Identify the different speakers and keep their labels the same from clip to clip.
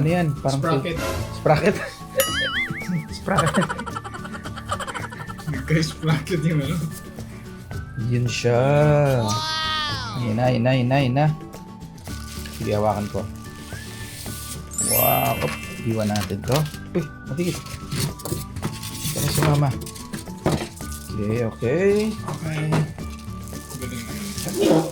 Speaker 1: Ano yan? Parang
Speaker 2: Sprocket.
Speaker 1: Sprocket. Sprocket.
Speaker 2: Nagka-sprocket yung ano.
Speaker 1: Yun siya. Yun na. Sige, hawakan ko. Wow. Op, iwan natin to. Uy, matigit. Kaya si mama. Okay.
Speaker 2: Okay. Galing naman.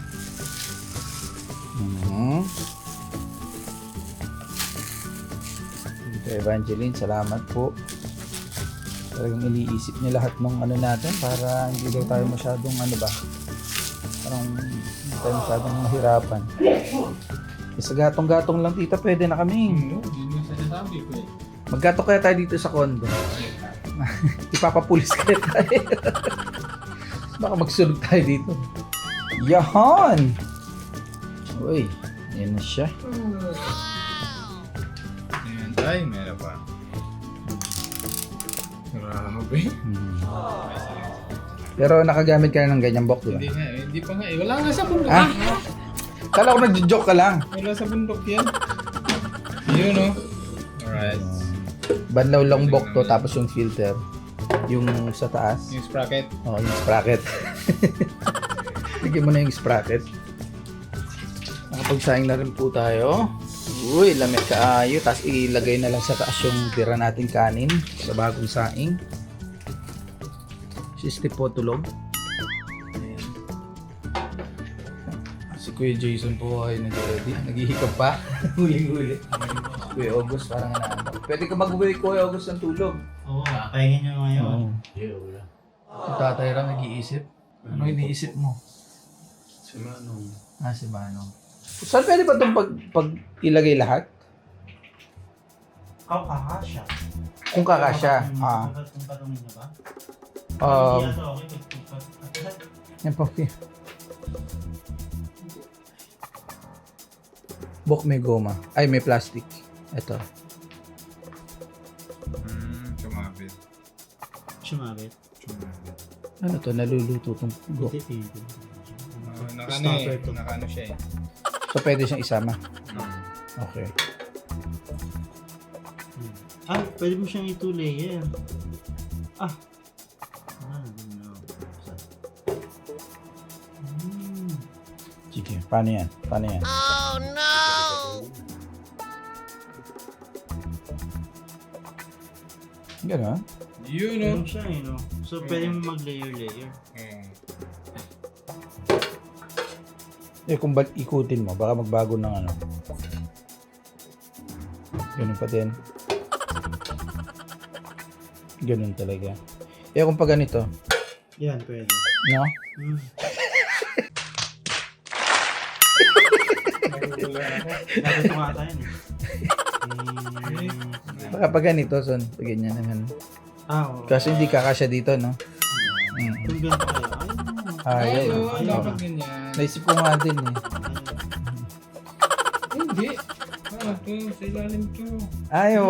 Speaker 1: Tita Evangeline, salamat po. Talagang iniisip niya lahat ng ano natin para hindi daw tayo masyadong ano ba. Parang hindi tayo masyadong mahirapan. Sa gatong-gatong lang tita, pwede na kami.
Speaker 2: No, yun yung sinasabi ko eh.
Speaker 1: Maggato kaya tayo dito sa condo. Ipapapulis kaya tayo. Baka magsulog tayo dito. Yahan! Uy, yan na siya.
Speaker 2: Ayan, ay, meron pa. Grabe.
Speaker 1: Pero nakagamit ka na ng ganyang box, di ba?
Speaker 2: Hindi nga eh, hindi pa nga eh. Wala nga sa bundok.
Speaker 1: Ah? Kala ko nagjo-joke ka lang.
Speaker 2: Wala sa bundok yan. Yun no. Alright.
Speaker 1: Banlaw lang box to, tapos yung filter. Yung sa taas.
Speaker 2: Yung sprocket.
Speaker 1: Oh, yung sprocket. Lagyan mo na yung sprocket. Nakapagsaing na rin po tayo. Uy, lamig kaayo. Tapos ilagay na lang sa taas yung tira natin kanin sa bagong saing. Si Steve po tulog. Ayan. Si Kuya Jason po ay nag-ready. Naghihikap pa. Huli-huli. Kuya August parang nanaambak. Pwede ka mag-uwi Kuya August ng tulog.
Speaker 3: Oo, kakainin nyo ngayon.
Speaker 1: Si Tatay Ram nag-iisip. Ano iniisip mo?
Speaker 3: Si Manong.
Speaker 1: Si Manong. Saan pwede ba itong pag ilagay lahat?
Speaker 3: Kakasya.
Speaker 1: Kung kakasya.
Speaker 3: Kung tanongin nyo ba?
Speaker 1: Um,
Speaker 3: Hindi ata okay.
Speaker 1: yan po. Bok may goma. Ay, may plastic. Ito.
Speaker 2: Sumabit.
Speaker 3: Sumabit.
Speaker 2: Sumabit.
Speaker 1: Ano to? Naluluto itong bok.
Speaker 3: Hindi.
Speaker 2: Nakano eh. Nakano siya eh.
Speaker 1: So, pwede siyang isama.
Speaker 2: Hmm.
Speaker 1: Okay.
Speaker 3: Pwede mo siyang ito layer. No.
Speaker 1: Sige, paano yan? Paano yan? Gano'n?
Speaker 2: Yun no.
Speaker 3: Ano siya eh, no? So, pwede mo mag-layer.
Speaker 1: Kung ba't ikutin mo, baka magbago ng ano. Ganun pa din. Ganun talaga. Kung pa ganito,
Speaker 3: Yan, pwede.
Speaker 1: no?
Speaker 2: Natutulan ako.
Speaker 3: Natuto nga tayo eh.
Speaker 1: Baka pag ganito, son. Pag ganyan naman.
Speaker 3: Oo.
Speaker 1: Kasi hindi kakasya dito, no?
Speaker 3: Kung ganito kayo,
Speaker 1: Ayaw.
Speaker 2: Oo,
Speaker 1: Ayaw.
Speaker 2: dapat ganyan.
Speaker 1: Naisip ko nga din eh.
Speaker 2: Hindi. Ano to? Sa ilalim to.
Speaker 1: Ayaw.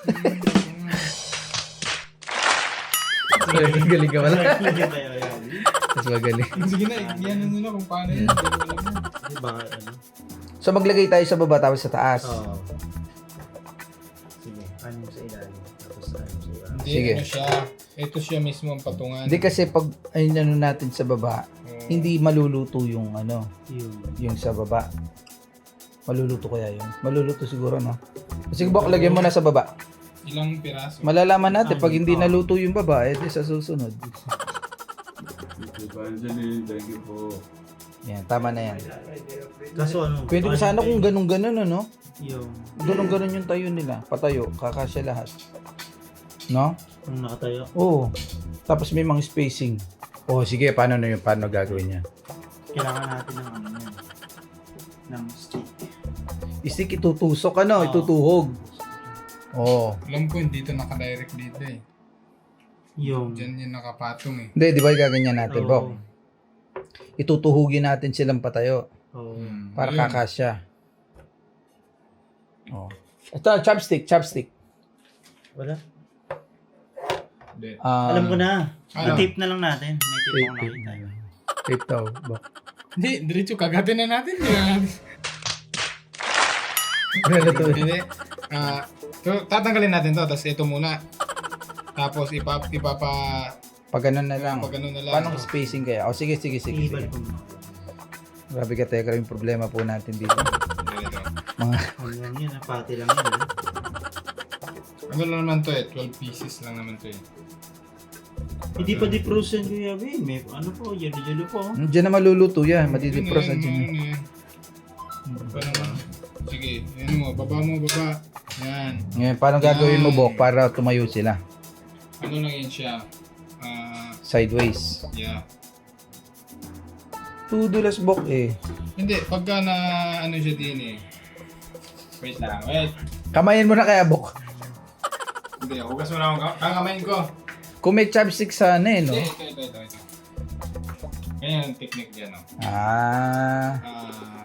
Speaker 1: Galing ka wala. Mas magaling.
Speaker 2: Sige na, yan nyo na kung paano yun. Hindi ko alam yun.
Speaker 3: Baka ano?
Speaker 1: So maglagay tayo sa baba tapos sa taas.
Speaker 3: Oo. Sige, ano mo sa ilalim? Tapos ano sa ilalim?
Speaker 2: Hindi,
Speaker 1: Sige.
Speaker 2: ano siya. Ito siya mismo ang patungan.
Speaker 1: Hindi kasi pag ayun ano natin sa baba,
Speaker 2: Oo.
Speaker 1: hindi maluluto yung ano,
Speaker 3: Yung
Speaker 1: yung sa baba. Maluluto kaya yun? Maluluto siguro, no? Sige, Bok, lagyan mo na sa baba.
Speaker 2: Ilang piraso.
Speaker 1: Malalaman natin pag hindi naluto yung baba, eh di sa susunod.
Speaker 4: Evangeline, thank you po.
Speaker 1: Yan, tama na yan.
Speaker 3: kaso ano?
Speaker 1: Pwede ko sana kung ganun-ganun, ano?
Speaker 3: Yung
Speaker 1: Ganun-ganun yung tayo nila. Patayo, kakasya lahat. No?
Speaker 3: kung nakatayo.
Speaker 1: Oo. Tapos may mga spacing. Oh, sige, paano na yun? Paano gagawin niya?
Speaker 3: Kailangan natin ng ano yan. Ng stick.
Speaker 1: Istik itutusok, ano?
Speaker 3: Oo.
Speaker 1: Itutuhog. Oo.
Speaker 2: Alam ko, hindi ito nakadirect dito eh.
Speaker 3: Yung
Speaker 2: Diyan yung nakapatong eh.
Speaker 1: Hindi, di ba gaganyan natin,
Speaker 3: Oo.
Speaker 1: Bok? Itutuhugin natin silang patayo
Speaker 3: Oo.
Speaker 1: para
Speaker 2: Ayun.
Speaker 1: kakasya. Oh. Ito, chopstick.
Speaker 3: Wala.
Speaker 2: Hindi.
Speaker 3: Alam ko na.
Speaker 2: Ano?
Speaker 3: I-tape na lang natin. May tape ako nakita.
Speaker 1: Tape daw, Bok.
Speaker 2: Hindi, diretso kagatin na natin. Hindi na natin. Hindi. Tatanggalin natin to, tapos ito muna. Tapos ipapa...
Speaker 1: Pag ganun na lang.
Speaker 2: Pag ganun na lang.
Speaker 1: Paano spacing kaya? O sige.
Speaker 3: I-ibal ko muna.
Speaker 1: Grabe ka, Tekra, yung problema po natin dito.
Speaker 2: Dito.
Speaker 1: Mga,
Speaker 3: Ano yan yan, pati lang yan. ah.
Speaker 2: Ano lang naman to eh, 12 pieces lang naman to eh.
Speaker 3: Hindi pa di-frozen Kuya Bin. May ano po, yelo-yelo po.
Speaker 1: Diyan na maluluto yan. Madidipros na
Speaker 2: Yun,
Speaker 1: dyan.
Speaker 2: yun, yun. Ba naman? Sige, yan mo, baba. Yan.
Speaker 1: Ngayon, paano gagawin mo, Bok, para tumayo sila?
Speaker 2: Ano lang yan siya?
Speaker 1: Sideways.
Speaker 2: Yeah.
Speaker 1: Tudulas, Bok, eh.
Speaker 2: Hindi, pagka na ano siya din eh. Wait lang, wait.
Speaker 1: Kamayin mo na kaya, Bok.
Speaker 2: Hindi, hugas mo na akong kakamain ko.
Speaker 1: Kung may chopstick sana eh, no?
Speaker 2: Hindi, ito. Ganyan ang technique dyan, no?
Speaker 1: Ah,
Speaker 2: Ah,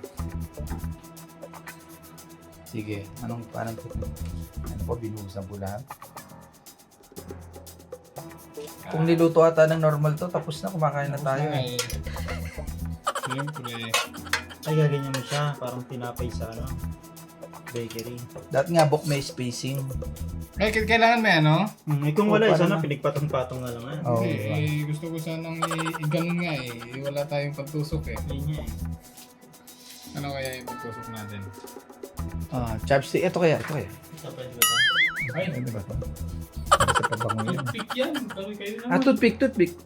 Speaker 1: sige. Paano po, binuhusan po lahat? Kung niluto ata ng normal to, tapos na, kumakain na tayo eh.
Speaker 2: ay, siyempre.
Speaker 3: Ay, gaganyan mo siya. Parang tinapay sa ano, bakery.
Speaker 1: Dati nga, Bok, may spacing.
Speaker 2: Ay, kailangan may ano?
Speaker 3: Kung wala,
Speaker 1: Oh,
Speaker 3: isa
Speaker 1: paano
Speaker 3: na,
Speaker 1: na?
Speaker 3: pinagpatong-patong na lang.
Speaker 1: Oo,
Speaker 2: Hindi,
Speaker 1: diba?
Speaker 2: gusto ko sanang i-ganon nga eh. Wala tayong pagtusok eh.
Speaker 3: Yun niya eh.
Speaker 2: Ano kaya yung pagtusok natin?
Speaker 1: Chopstick. Ito kaya.
Speaker 3: Ito, pwede ba ito?
Speaker 2: Ay,
Speaker 1: Ano ba ito? Sa pabango yun.
Speaker 2: toothpick yan. Pero kayo
Speaker 1: Ah, toothpick.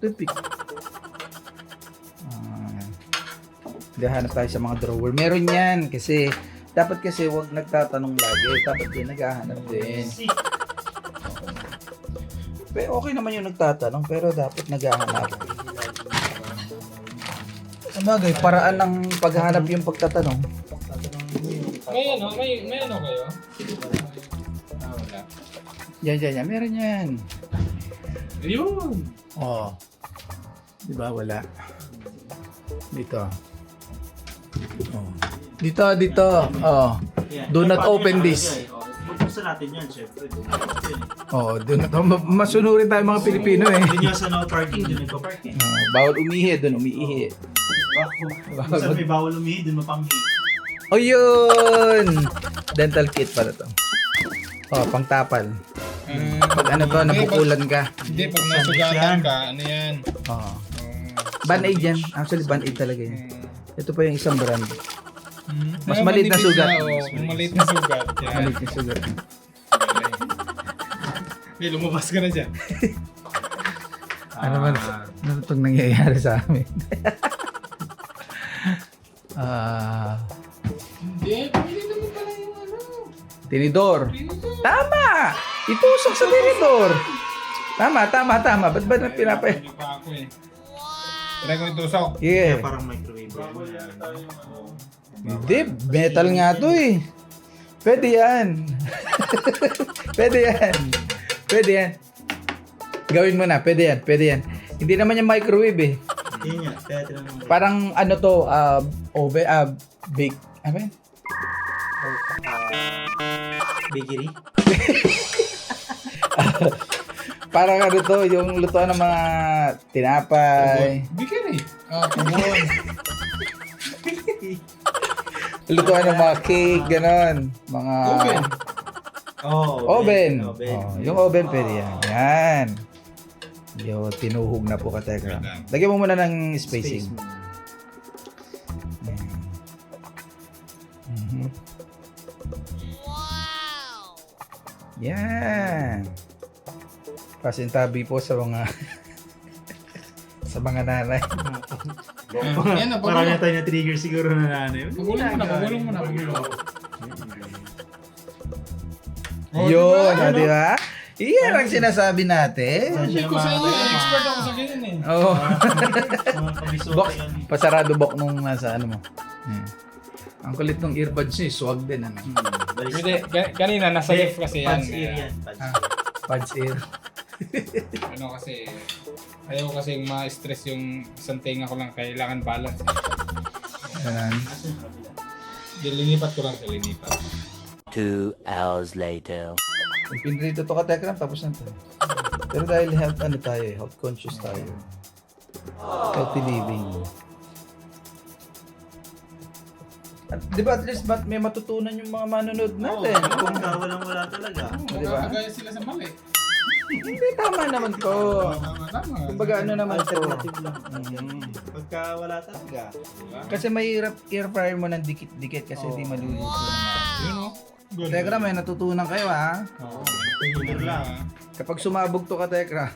Speaker 1: Hanap tayo sa mga drawer. Meron yan kasi dapat kasi wag nagtatanong lagi. Dapat din naghahanap din. Pero okay naman yung nagtatanong pero dapat naghahanap. Sabagay, paraan ng paghahanap yung pagtatanong.
Speaker 2: May ano kayo? Wala.
Speaker 1: Yan. Meron yan.
Speaker 2: Ayun!
Speaker 1: Oh. Di ba wala? Dito. Oh. Dito. Oh.
Speaker 3: Yan.
Speaker 1: Do not
Speaker 3: Paano
Speaker 1: open
Speaker 3: yan?
Speaker 1: this.
Speaker 3: Okay, oh. Bubuksan natin yan, syempre.
Speaker 1: Oh, doon masunurin tayo mga Pilipino eh.
Speaker 3: Doon yung sa no parking, doon nagpa-park eh.
Speaker 1: Oh, bawal umihi, doon umiihi.
Speaker 3: Kung saan may bawal umihi, doon mapanghi.
Speaker 1: O yun! Dental kit pala to. Oh, pangtapal. Pag ano to, napukulan ka.
Speaker 2: Hindi, pag nasugatan ka, ano yan?
Speaker 1: Oh. Band-aid yan. Actually, band-aid talaga yan. Ito pa yung isang brand. Mas maliit na sugat.
Speaker 2: Maliit na sugat. Yan.
Speaker 1: Maliit na sugat.
Speaker 2: Hindi, lumabas ka na dyan.
Speaker 1: Ano man, ano itong nangyayari sa amin?
Speaker 2: Hindi, pwede naman pala yung ano.
Speaker 1: Tinidor. Tama! Itusok sa tinidor. Tama. Ba't ba na pinapay?
Speaker 2: Hindi pa ako eh. Try ko itusok.
Speaker 3: Kaya
Speaker 1: Yeah.
Speaker 3: parang microwave.
Speaker 1: Hindi, metal nga to eh. Pwede yan. Pwede yan. Pwede yan. Gawin mo na, pwede yan, pwede yan. Hindi naman yung microwave eh.
Speaker 3: Yun nga, kaya tinanong mo.
Speaker 1: Parang ano to, oven, bake, ano ba yan?
Speaker 3: Bakery?
Speaker 1: Parang ano to, yung lutuan ng mga tinapay.
Speaker 2: Bigyan eh. Tubon.
Speaker 1: Lutuan ng mga cake, ganon. Mga...
Speaker 2: Oven.
Speaker 1: Oven. Oh, yung oven pwede yan. Yan. Yo, tinuhog na po ka, Tekram. Lagyan mo muna ng spacing. Yan. Mhm. Yan. Pasintabi po sa mga sa mga nanay.
Speaker 2: Yan na,
Speaker 3: Marami
Speaker 2: pagulong.
Speaker 3: tayo na trigger siguro na nanay.
Speaker 2: Pagulong mo na.
Speaker 1: Yun, di ba? Iyan ang sinasabi natin.
Speaker 2: Hindi ko sa inyo, expert ako sa ganyan eh.
Speaker 1: Oo.
Speaker 3: Mga kabisok
Speaker 1: Box,
Speaker 3: yan.
Speaker 1: pasarado box nung nasa ano mo. Yan. Ang kulit ng earbuds niya, swag din ano.
Speaker 2: Hindi, kanina nasa left kasi yan.
Speaker 3: Pads ear yan. Pads
Speaker 1: Ah,
Speaker 3: ear.
Speaker 1: pads ear.
Speaker 2: Ano kasi, ayaw ko kasing ma-stress yung isang tenga ko lang, kailangan balance.
Speaker 1: Ganun.
Speaker 3: Asan yung kabila?
Speaker 2: Linipat ko lang sa linipat.
Speaker 4: 2 hours later.
Speaker 1: Kung pinrito to ka, Tekram, tapos na to. Pero dahil health, ano tayo eh, health conscious tayo. Healthy living. At, di ba at least may matutunan yung mga manonood natin?
Speaker 3: Kung walang-wala talaga.
Speaker 1: Di ba?
Speaker 2: Magkakagaya sila sa mali.
Speaker 1: Hindi, tama naman to.
Speaker 2: Tama.
Speaker 1: Kumbaga ano naman to.
Speaker 3: Alternative lang. Pagka wala talaga.
Speaker 1: Kasi mahirap air fryer mo ng dikit-dikit kasi di maluluto.
Speaker 2: Yun o.
Speaker 1: Tekram, may natutunan kayo ha.
Speaker 2: Oo.
Speaker 3: Tingin lang.
Speaker 1: Kapag sumabog to ka, Tekram.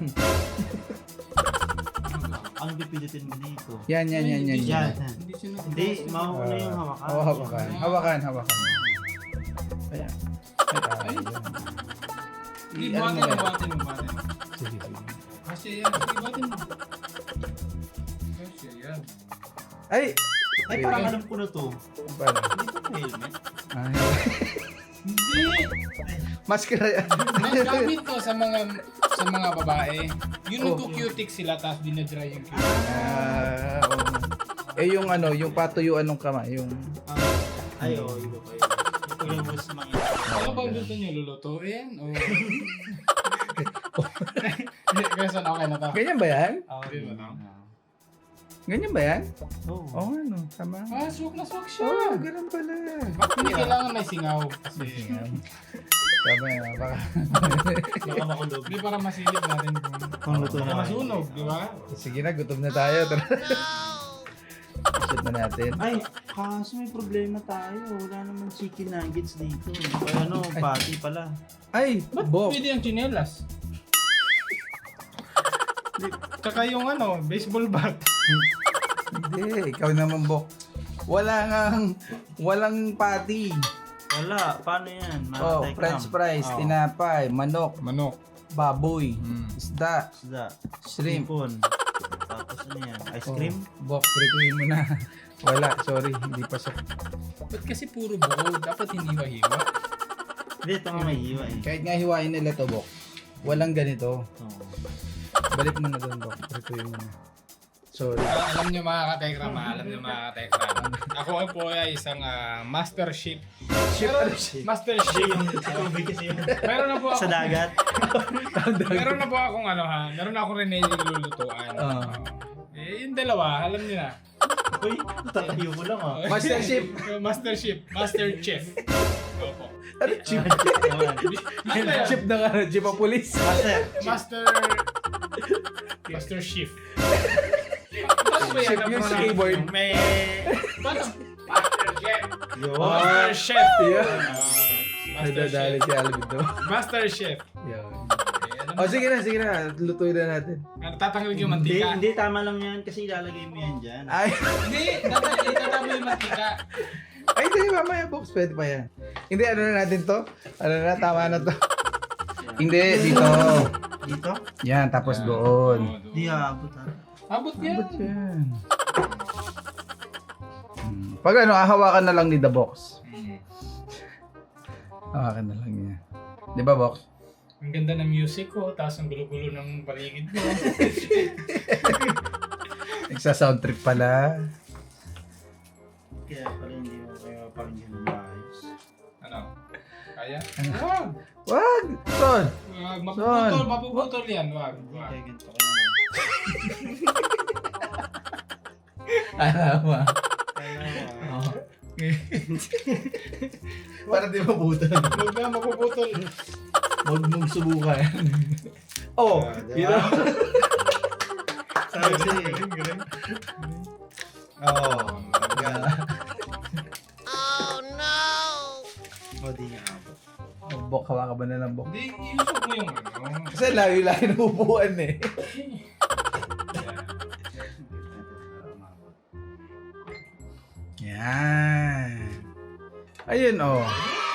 Speaker 3: Ang pipilitin mo dito.
Speaker 1: Yan.
Speaker 3: Yan.
Speaker 2: Hindi siya
Speaker 3: Hindi, mauna yung hawakan.
Speaker 1: Hawakan. Ayan. Ay,
Speaker 2: Hindi,
Speaker 1: ano
Speaker 2: buhatin
Speaker 1: mo
Speaker 2: mo.
Speaker 1: Sige.
Speaker 2: Kasi yan, sige, buhatin mo. Kasi yan.
Speaker 1: Ay!
Speaker 3: Ay, parang alam ko na to.
Speaker 1: Paano?
Speaker 3: Hindi ko helmet.
Speaker 1: Ay.
Speaker 2: Hindi!
Speaker 1: Maskara yan.
Speaker 2: Nagamit to sa mga babae. Yung nagko-cutic sila tapos dinadry yung cutic.
Speaker 1: Oo. Eh yung ano, yung patuyuan ng kamay, yung...
Speaker 3: Ay, oo, iba pa yun. Ito yung mas mga
Speaker 2: Ano bang gusto nyo? Lulutuin? O... Kasi okay na to.
Speaker 1: Ganyan ba yan?
Speaker 2: Okay ba to?
Speaker 1: Ganyan ba yan?
Speaker 3: Oo.
Speaker 1: Oo, ano, tama.
Speaker 2: Ah, swak na swak siya.
Speaker 1: Oo, ganun pala.
Speaker 2: Bakit hindi kailangan may singaw? Kasi
Speaker 1: Tama yan, baka...
Speaker 3: Baka makulog.
Speaker 2: hindi para masilip natin
Speaker 3: Kung luto
Speaker 2: kung
Speaker 3: na.
Speaker 2: masunog, di ba?
Speaker 1: Sige na, gutom na tayo. Tara. Shoot na natin.
Speaker 3: Ay, kaso may problema tayo. Wala naman chicken nuggets dito. Ay, ano, patty pala.
Speaker 1: Ay,
Speaker 2: Ba't
Speaker 1: Bok.
Speaker 2: pwede yung chinelas? Tsaka yung ano, baseball bat.
Speaker 1: Hindi, ikaw naman, Bok. Walang patty.
Speaker 3: Wala, paano yan?
Speaker 1: Oh, french fries, tinapay, manok,
Speaker 2: Manok.
Speaker 1: baboy,
Speaker 2: Mm.
Speaker 1: isda,
Speaker 3: Isda.
Speaker 1: shrimp.
Speaker 3: Sipon. Tapos ano yan? Ice cream?
Speaker 1: Bok, prituin mo na. Wala, sorry, hindi pasok.
Speaker 2: Ba't kasi puro buo? Dapat hindi mahiwa.
Speaker 3: Hindi, ito nga may hiwa eh.
Speaker 1: Kahit nga hiwain nila to, Bok. Walang ganito.
Speaker 3: Oo.
Speaker 1: Balik mo na doon, Bok. Prituin mo na. Sorry.
Speaker 2: Alam niyo mga katekram, alam niyo mga katekram. Ako po ay isang master chef. Master chef.
Speaker 3: Tubig kasi yun.
Speaker 2: Meron na po ako.
Speaker 3: Sa dagat.
Speaker 2: Meron na po akong ano ha. Meron na akong nilulutuan. Yung dalawa, alam niyo na.
Speaker 3: Uy, tatayo mo lang ah.
Speaker 1: Master chef.
Speaker 2: Master chef. Master chef. Opo.
Speaker 1: Ano, chip? Chip na nga, chip ang pulis.
Speaker 2: Master chef.
Speaker 1: Chip yung sa keyboard.
Speaker 3: May...
Speaker 2: Master chef.
Speaker 3: Yun.
Speaker 2: Master chef.
Speaker 1: Yeah.
Speaker 2: Master
Speaker 1: Nadadali
Speaker 2: chef.
Speaker 1: si Alvin to.
Speaker 2: Master chef.
Speaker 1: Yan. O sige na. Lutuin na natin.
Speaker 2: Tatanggalin yung
Speaker 3: Hindi,
Speaker 2: mantika.
Speaker 3: hindi, tama lang yan kasi ilalagay mo yan dyan.
Speaker 1: Ay,
Speaker 2: Hindi, tatanggalin yung mantika.
Speaker 1: ay, hindi, mamaya, Box. Pwede pa yan. Hindi, ano na natin to? Ano na, tama na to. Hindi, dito.
Speaker 3: Dito?
Speaker 1: Yan, tapos doon.
Speaker 3: Di haabot ha.
Speaker 2: Abot yan.
Speaker 1: Ba't yan? Pag ano, hawakan na lang ni The Box.
Speaker 2: Mm.
Speaker 1: Hawakan na lang niya. Di ba, Box?
Speaker 2: Ang ganda ng music ko, tapos ang gulo-gulo ng paligid mo.
Speaker 1: Nagsa-sound trip pala.
Speaker 3: Kaya pala hindi mo kayo pakinggan ng maayos.
Speaker 2: Ano? Kaya? Wag!
Speaker 1: Wag! Son!
Speaker 2: Wag!
Speaker 1: Son.
Speaker 2: Mapuputol yan. Wag! Wag!
Speaker 3: Kaya ganito kayo.
Speaker 1: Tama. Para di mabutan.
Speaker 2: Wag na, mapuputol.
Speaker 1: Huwag mong subukan. Oh,
Speaker 3: Diba? Sabi siya eh.
Speaker 2: Galing.
Speaker 3: Oo.
Speaker 5: Oh,
Speaker 3: O, di nga abot.
Speaker 1: Bok, hawakan ba na ng bok?
Speaker 2: Hindi, iusog mo yung ano.
Speaker 1: Kasi layo-layo na upuan eh. Yan. Ayun oh.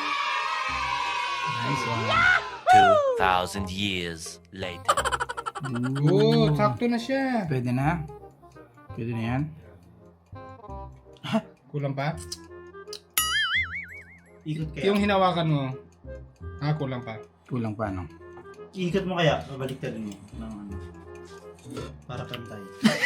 Speaker 1: Nice one.
Speaker 4: 2,000 years later.
Speaker 2: Oo, sakto na siya.
Speaker 1: Pwede na. Pwede na yan.
Speaker 2: Kulang pa?
Speaker 3: Ikot kaya.
Speaker 2: Yung hinawakan mo. Kulang pa.
Speaker 1: Kulang pa, no?
Speaker 3: Ikot mo kaya. Babaliktad mo. Ng ano. Para pantay.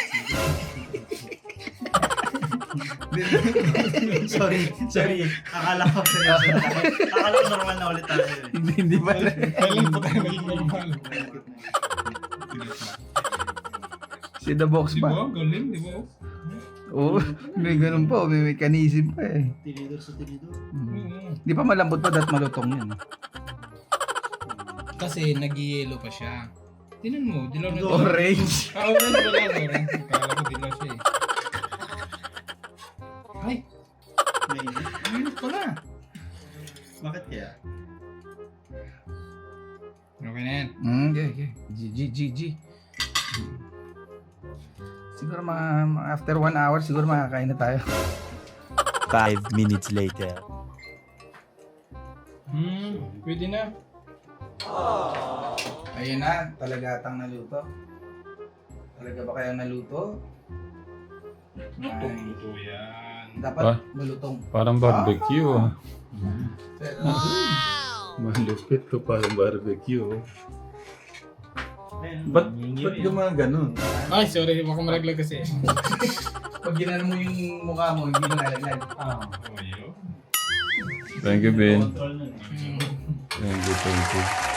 Speaker 3: Sorry. Akala ko seryoso na tayo. Akala ko normal na ulit tayo.
Speaker 1: Hindi ba na?
Speaker 2: Kailan po tayo naging normal?
Speaker 1: Si The Box
Speaker 2: Di
Speaker 1: ba?
Speaker 2: ba? Galing, di ba?
Speaker 1: Oo, may ganun pa. May mechanism pa eh.
Speaker 3: Tinidor sa tinidor.
Speaker 1: Di pa malambot pa dahil malutong yun.
Speaker 2: Kasi nag-yellow pa siya. Tinan mo, dilaw na
Speaker 1: Orange.
Speaker 2: Orange pala, orange. Akala ko dilaw siya eh. Ay,
Speaker 3: Mainit.
Speaker 2: minute pala.
Speaker 3: Bakit kaya?
Speaker 2: Okay na yan.
Speaker 1: Okay. G. Siguro after 1 hour, siguro makakain na tayo.
Speaker 4: 5 minutes later.
Speaker 2: Pwede na.
Speaker 1: Ayun na, talagatang naluto. Talaga ba kaya naluto?
Speaker 2: Luto yan.
Speaker 1: Dapat malutong.
Speaker 5: Parang barbecue.
Speaker 1: Pero,
Speaker 5: Malupit ko parang barbecue.
Speaker 3: Ayun,
Speaker 5: Ba't
Speaker 3: nyingiw yun.
Speaker 5: gumaganon?
Speaker 2: Ay, sorry, baka malaglag kasi.
Speaker 1: pag ginano mo yung mukha mo, hindi mo nalaglag.
Speaker 3: Ah.
Speaker 2: Oh, yun.
Speaker 5: Thank you, Ben.
Speaker 3: Control nun.
Speaker 5: Thank you.